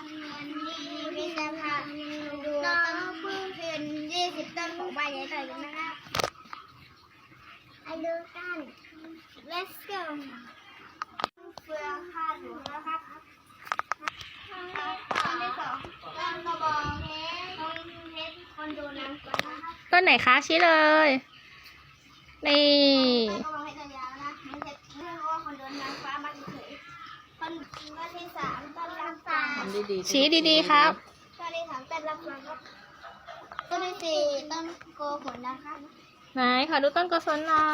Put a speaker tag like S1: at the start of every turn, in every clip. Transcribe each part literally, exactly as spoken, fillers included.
S1: วันนี้วิจารณ์ดูต้นพืชพื้นยี่สิบต้นของใบใหญ่ต่อกันนะครับไปดูกัน let's go เฟืองคาดหัวนะครับต้นที่สองต้นกระบองเพชรต้นเพชรคอนโดนางฟ้านะครับ
S2: ต้นไหนคะชี้เลย นี่
S1: ต้นกระบองเพชรยาวนะไม่ใช่เรื่องว่าคอนโดนางฟ้ามาเฉยต้นต้นที่สามต้นรับฟัง
S2: ชี้ดีๆครับ
S1: ต้นที่สามต้นรับฟังครับต้นที่สี่ต้นโกขนนะครับ
S2: ไหนขอดูต้นกศลหน่อย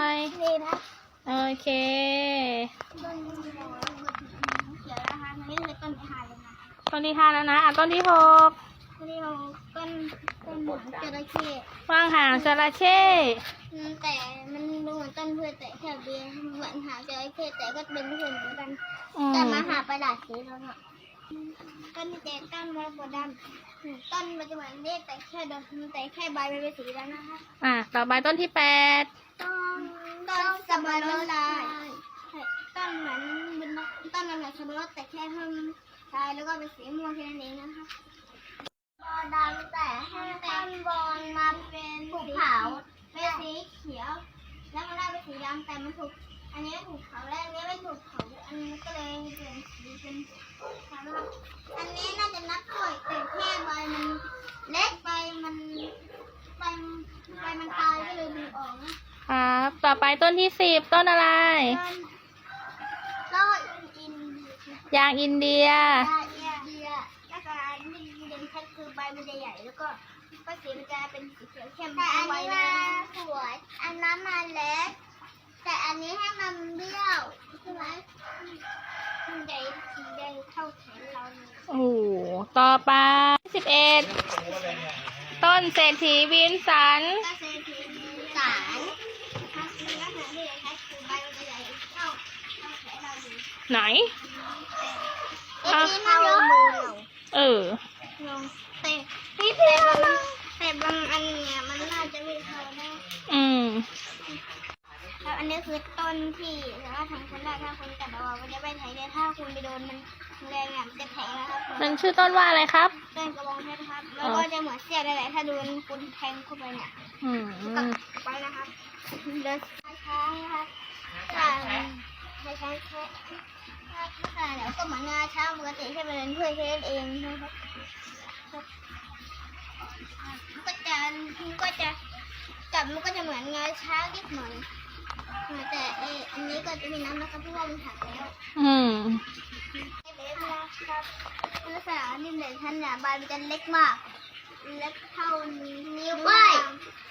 S1: นี่นะ
S2: โอเค
S1: ต้นเขียวนะคะนี่คือต้นที่ห้าเลยนะ
S2: ต้นที่ห้าแล้วนะอ่ะต้นที่หก
S1: ต้นที่หกต้นต้นหางจระเข้
S2: วางหางจระเข้
S1: อืมแต่มันดูเหมือนต้นพืชแต่แค่เบียร์เหมือนหางจระเข้แต่ก็เป็นพืชเหมือนกัน
S2: อืม
S1: แต่มาหาประดาษสีแล้วเนาะต้นเจต้นมะกรูดดำอืมต้นมันจะเหมือนเล็กแต่แค่ดอกแต่แค่ใบมันเป็นสีแล้วนะคะ
S2: อ่ะต่อไปต้นที่แปด
S1: ต้นต้นสับปะรดลายต้นเหมือนเป็นต้นมันเหมือนสับปะรดแต่แค่เพิ่มลายแล้วก็เป็นสีม่วงแค่นั้นเองนะคะบอลดำแต่ให้ต้นบอลมาเป็นถูกเผาเป็นสีเขียวแล้วมันได้เป็นสีดำแต่มันถูกอันนี้ถูกเผาแล้วอันนี้ไม่ถูกเผาอันนี้ก็เลยเป็นสีเป็นนะครับอันนี้น่าจะนับกล้วยแต่แค่ใบมันเล็กใบมันใบใบมันตายก็เลยดึงออกนะ
S2: ครับ ต่อไปต้นที่สิบต้นอะไร
S1: ต้นอิน
S2: ยางอินเดีย
S1: เดียเดียลักษณะที่เด่นชัดคือใบมันจะใหญ่แล้วก็ก็สีมันจะเป็นสีเขียวเข้มแต่อันนี้มาสวยอันนั้นมาเล็กแต่อันนี้ให้มันเบี้ยวใช่ไหมมันใหญ่สีแดงเท่าแขนเราเลย
S2: โอ้โหต่อไปสิบเอ็ดต้นเศรษฐีวินสัน
S1: ก็เซทีสารลักษณะที่เด่นชัดคือใบมันจะใหญ่เท่าเท่าแขนเราเลย
S2: ไหน
S1: เอ็กซ์เข้ามือเรา
S2: เออ
S1: ลงแต่แต่บางแต่บางอันเนี่ยมันน่าจะไม่เข้าได้
S2: อืม
S1: ครับอันนี้คือต้นที่สามารถทำชั้นได้ถ้าคุณกัดเอามันจะไม่แทงแต่ถ้าคุณไปโดนมันแรงอ่ะมันจะแทงนะครับ
S2: มันชื่อต้นว่าอะไรครับ
S1: ต้นกระบองเพชรครับแล้วก็จะเหมือนเสี้ยได้แหละถ้าโดนคุณแทงเข้าไปเนี่ย
S2: อืม
S1: ก็ไปนะครับเดินช้าๆนะครับช้าๆช้าๆแค่ค่ะเดี๋ยวก็เหมือนงาช้างปกติแค่เป็นเพื่อนแค่นั้นเองนะครับก็จะก็จะจับมันก็จะเหมือนงาช้างนิดหน่อยแต่เอออันนี้ก็จะมีน้ำนะครับเพราะว่ามันหักแล้ว
S2: อืม
S1: เล็กนะครับลักษณะนิ่มเด่นชันเนี่ยใบมันจะเล็กมากเล็กเท่านิ้วก้อย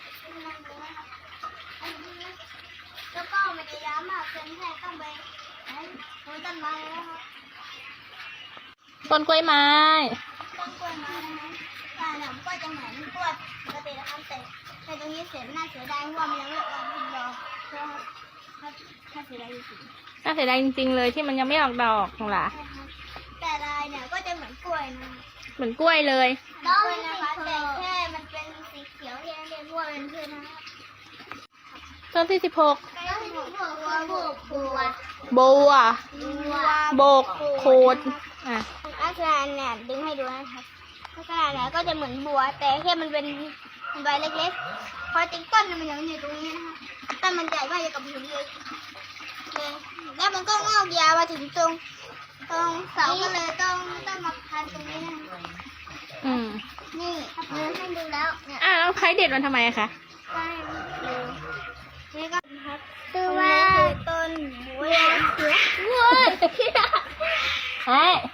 S1: แล้วก็มันจะยาวมากจนแค่ต้องไปโคนต้นไม้แล้วครับ
S2: ต้นกล้วยไม้
S1: ต้นกล้วยไม้นะคะแต่เนี่ยมันก็จะเหมือนกล้วยปกตินะครับแต่แต่ตรงนี้เสียน่าเสียดายเพราะว่ามันยังไม่ออกดอกนะครับถ้าเสียดายจริงๆ
S2: น่าเสียดายจริงๆเลยที่มันยังไม่ออกดอกของหล่ะ
S1: แต่ลายเนี่ยก็จะเหมือนกล้วยนะ
S2: เหมือนกล้วยเลย
S1: ต้นนะคะแต่แค่มันเป็นสีเขียวที่นั่นเองเพราะว่าเป็นพืชนะคะ
S2: ต้นที่สิบหก
S1: ต้นที่บัวบัวบัว
S2: บัว
S1: บัว
S2: โบกโคดอ่ะ
S1: ลักษณะเนี่ยดึงให้ดูนะครับลักษณะเนี่ยก็จะเหมือนบัว แต่แค่มันเป็นใบเล็กๆพอจริงต้นมันยังอยู่ตรงนี้นะคะต้นมันใหญ่มากอย่างกับหินเลยเลยแล้วมันก็งอกยาวมาถึงตรงตรงเสาก็เลยต้องต้องมาพันตรงนี้นะคะ
S2: อืม
S1: นี่เดินให้ดูแล้วเนี่ย
S2: อ่ะแล้วไผ่เด็ดมันทำไมอะคะ
S1: ใช่ดูนี่ก็ครับคือว่าต้นบัวเสือบัว
S2: เฮ้ย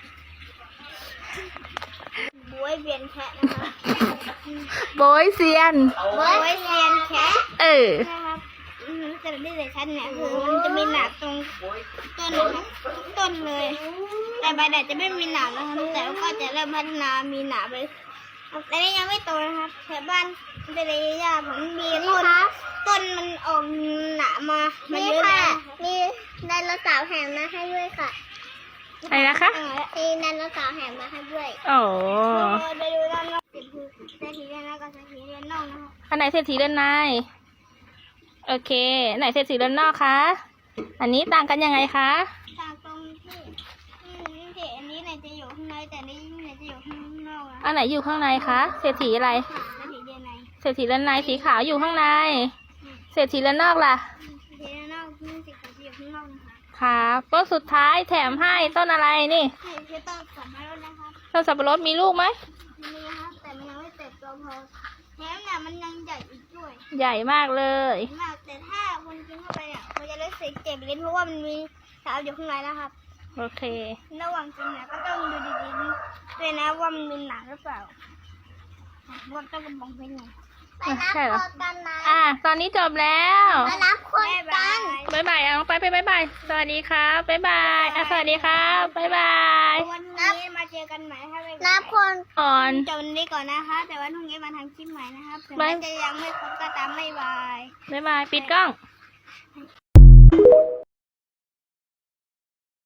S1: บัวเวียนแคะนะคะ
S2: โบยเซียน
S1: บัวเวียนแคะ
S2: เออ
S1: นะครับอืมแต่ที่สำคัญเนี่ยคือมันจะมีหนามตรงต้นนะคะทุกต้นเลย แต่ใบแดดจะไม่มีหนามนะครับแต่ก็จะเริ่มพัฒนามีหนามไปแต่นี่ยังไม่โตนะครับแถวบ้านเป็นระยะผมมีต้นต้นมันออกหนามมามาเยอะแล้วมีไดโนเสาร์แถมมาให้ด้วยค่ะ
S2: อะไรนะคะ
S1: มีไดโนเสาร์แถมมาให้ด้วย
S2: โอ้
S1: ไปดูด้านนอกสิคือเศรษฐีเรือนนอกกับเศรษฐีเรือนนอกนะคะ
S2: อันไหนเศรษฐีเดินในโอเคอันไหนเศรษฐีเดินนอกคะ อันนี้ต่างกันยังไงคะ
S1: ต่างตรงที่อืมที่อันนี้เนี่ยจะอยู่ข้างในแต่นี่เนี่ยจะอยู่ข้างนอกนะ
S2: อันไหนอยู่ข้างในคะ เศรษฐีอะไร
S1: แล้วถีเดียนใน
S2: เศรษฐีด้านในสีขาวอยู่ข้างใน เศรษฐีด้านนอกล่ะ
S1: เดียนนอกนี่สีขาวจะอยู่ข้างนอกนะคะ
S2: ครับต้นสุดท้ายแถมให้ต้นอะไรนี่
S1: นี่คือต้นสับปะรดนะครับ
S2: ต้นสับปะรดมีลูกไหม
S1: มีครับแต่มันยังไม่เติบโตพอแถมเนี่ยมันยังใหญ่อีกด้วย
S2: ใหญ่มากเลย
S1: มากแต่ถ้าคุณกินเข้าไปเนี่ยมันจะรู้สึกเจ็บลิ้นเพราะว่ามันมีสารอยู่ข้างในนะครับ
S2: โอเค
S1: ระหว่างกินเนี่ยก็ต้องดูดีๆด้วยนะว่ามันมีหนังหรือเปล่าว่าต้องกระบองเพชรไง
S2: ไปรับใช่เหรออ่ะตอนนี้จบแล้ว
S1: ไปรับคนกัน
S2: บ๊ายบายอ่ะน้องไปไปบ๊ายบายสวัสดีครับบ๊ายบายอ่ะสวัสดีครับบ๊ายบาย
S1: วันนี้มาเจอกันใหม่นะคะนับคน
S2: อ่อน
S1: จบวันนี้ก่อนนะคะ แต่วันพรุ่งนี้มาทำคลิปใหม่นะครับถึง
S2: บ๊า
S1: แม้
S2: ย
S1: จะยังไม่ครบก็ตามไม่บาย
S2: บ๊ายบายปิดกล้อง